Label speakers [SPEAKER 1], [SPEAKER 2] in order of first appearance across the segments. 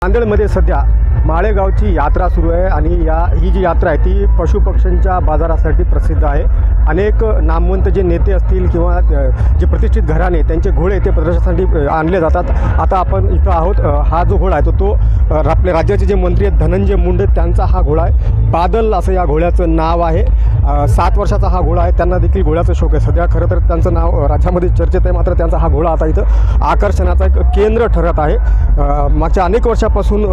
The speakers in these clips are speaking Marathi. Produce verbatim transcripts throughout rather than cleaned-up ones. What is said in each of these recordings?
[SPEAKER 1] नांदेडमध्ये सध्या माळेगावची यात्रा सुरू आहे आणि या ही जी यात्रा आहे ती पशुपक्ष्यांच्या बाजारासाठी प्रसिद्ध आहे। अनेक नामवंत जे नेते असतील किंवा जे प्रतिष्ठित घराणे त्यांचे घोडे ते प्रदर्शनासाठी आणले जातात। आता आपण इथं आहोत। हा जो घोडा आहे तो तो आपल्या राज्याचे जे मंत्री आहेत धनंजय मुंडे त्यांचा हा घोडा आहे। बादल असं या घोड्याचं नाव आहे। सात वर्षाचा हा घोडा आहे। त्यांना देखील घोड्याचा शौक आहे। सध्या खरं तर त्यांचं नाव राज्यामध्ये चर्चेत आहे, मात्र त्यांचा हा घोडा आता इथं आकर्षणाचा एक केंद्र ठरत आहे। मागच्या अनेक वर्षापासून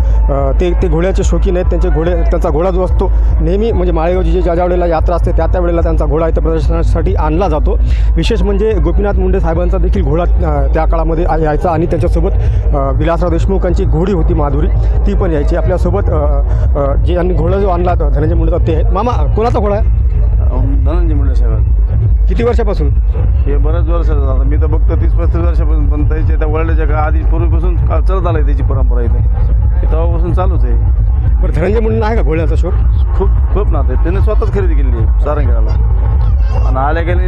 [SPEAKER 1] ते ते घोड्याचे शौकीन आहेत। त्यांचे घोडे त्यांचा घोडा जो असतो नेहमी म्हणजे माळेगावची जी ज्या ज्या वेळेला यात्रा असते त्या त्या वेळेला त्यांचा घोडा इथं प्रदर्शनासाठी आणला जातो। विशेष म्हणजे गोपीनाथ मुंडे साहेबांचा देखील घोडा त्या काळामध्ये यायचा आणि त्यांच्यासोबत विलासराव देशमुखांची घोडी होती माधुरी, ती पण यायची आपल्यासोबत। जे यांनी घोडा जो आणला धनंजय मुंडेचा ते आहे। मामा कोणाचा घोडा आहे?
[SPEAKER 2] धनंजय मुंडे साहेब।
[SPEAKER 1] किती वर्षापासून?
[SPEAKER 2] हे बऱ्याच वर्षाचं झालं, मी तर बघतो तीस पस्तीस वर्षापासून, पण त्याच्या त्या वडिलाच्या का आधी पूर्वीपासून का चलत आलं आहे त्याची परंपरा इथे, तेव्हापासून चालूच आहे।
[SPEAKER 1] बरं, धनंजय मुंडे आहे का घोड्याचा शौक?
[SPEAKER 2] खूप खूप नातं आहे। त्याने स्वतःच खरेदी केलेली आहे सारंगेला, आणि आल्या गेले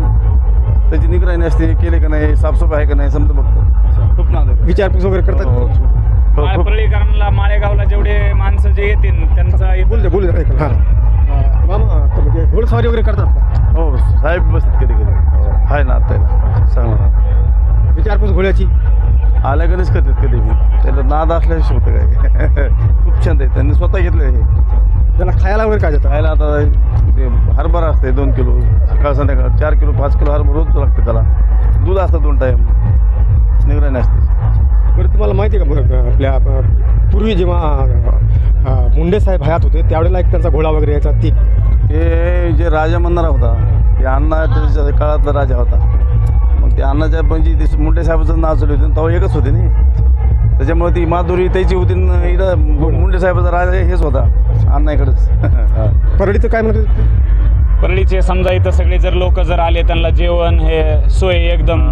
[SPEAKER 2] त्याची निगराणी असते, केले का नाही, साफसफाई आहे का नाही समजा बघतो। खूप नातं आहे,
[SPEAKER 1] विचारपूस वगैरे करतात।
[SPEAKER 3] परळीकरांना माळेगावला जेवढे माणसं जे येतील त्यांचा
[SPEAKER 1] बोल दे बोल दे हां मामा म्हणजे घोडसवारी वगैरे करतात का?
[SPEAKER 2] हो साहेब बसतात कधी कधी, आहे ना आता सांगा
[SPEAKER 1] विचारपूस घोड्याची
[SPEAKER 2] आल्या कधीच करतात कधी मी, त्याला नाद असल्याशी होतं काय खूप छंद आहे, त्यांनी स्वतः घेतलं हे।
[SPEAKER 1] त्याला खायला वगैरे काय देतात?
[SPEAKER 2] खायला आता ते हरभरा असते दोन किलो सकाळ संध्याकाळ, चार किलो पाच किलो हरभरा रोज लागते त्याला। दूध असतं दोन टाईम, निगराणी असते।
[SPEAKER 1] बरं, तुम्हाला माहिती आहे का आपल्या पूर्वी जेव्हा मुंडे साहेब हयात होते त्यावेळेला एक त्यांचा घोडा वगैरे यायचा, ती
[SPEAKER 2] ते जे राजा म्हणणारा होता ते अण्णा त्याच्या काळातला राजा होता। मग ते अण्णाच्या पण जी मुंडे साहेबाचं नाव चालू होते तेव्हा एकच होते नाही, त्याच्यामुळे ती माधुरी त्याची होती। इकडं मुंडे साहेबाचा राजा हेच होता अण्णाकडंच।
[SPEAKER 1] परळीचं काय म्हणते?
[SPEAKER 3] परळीचे समजा इथं सगळे जर लोक जर आले त्यांना जेवण हे सोय एकदम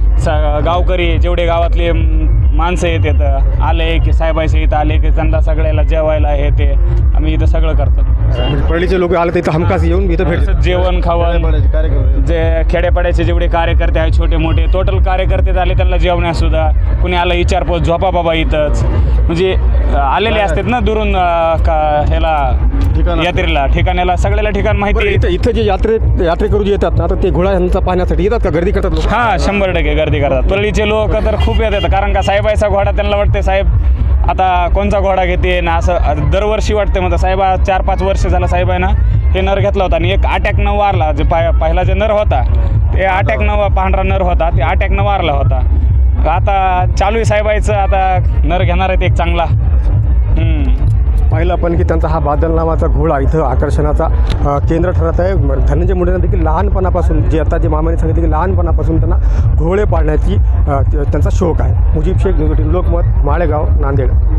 [SPEAKER 3] गावकरी जेवढे गावातले माणसं येत येतं आले की साहेबाचे इथं आले की त्यांना सगळ्याला जेवायला हे ते आम्ही इथं सगळं करतो।
[SPEAKER 1] म्हणजे परळीचे लोक आले तर इथं हमखास येऊन इथं भेटतात,
[SPEAKER 3] जेवण खावण, जे खेड्यापाड्याचे जेवढे कार्यकर्ते आहेत छोटे मोठे टोटल कार्यकर्ते झाले त्यांना जेवण्यासुद्धा कुणी आलं विचारपोस झोपा बाबा इथंच, म्हणजे आलेले असतात ना दुरून ह्याला यात्रेला ठिकाणाला सगळ्याला ठिकाण माहिती।
[SPEAKER 1] इथं इथं जे यात्रे यात्रेकरू जे येतात आता ते घोडा यांचा पाहण्यासाठी येतात का? गर्दी करतात लोक?
[SPEAKER 3] हां, शंभर टक्के गर्दी करतात। परळीचे लोक तर खूप येतात, कारण का साहेबाचा घोडा त्यांना वाटते साहेब आता कोणचा घोडा घेते ना, असं दरवर्षी वाटते। म्हणतात साहेबा चार पाच वर्ष झालं साहेबांना हे नर घेतला होता आणि एक अटॅक न वारला, जे पाय पहिला जे नर होता ते अटॅक न पांढरा नर होता ते अटॅक न वारला होता। आता चालू आहे साहेबाचं आता नर घेणार आहेत एक चांगला।
[SPEAKER 1] पाहिलं पण की त्यांचा हा बादल नावाचा घोडा इथं आकर्षणाचा केंद्र ठरत आहे। धनंजय मुंडेंना देखील लहानपणापासून जे आता जे मामाने सांगितले की लहानपणापासून त्यांना घोडे पाळण्याची त्यांचा शौक आहे। मुजीब शेख, लोकमत, माळेगाव, नांदेड।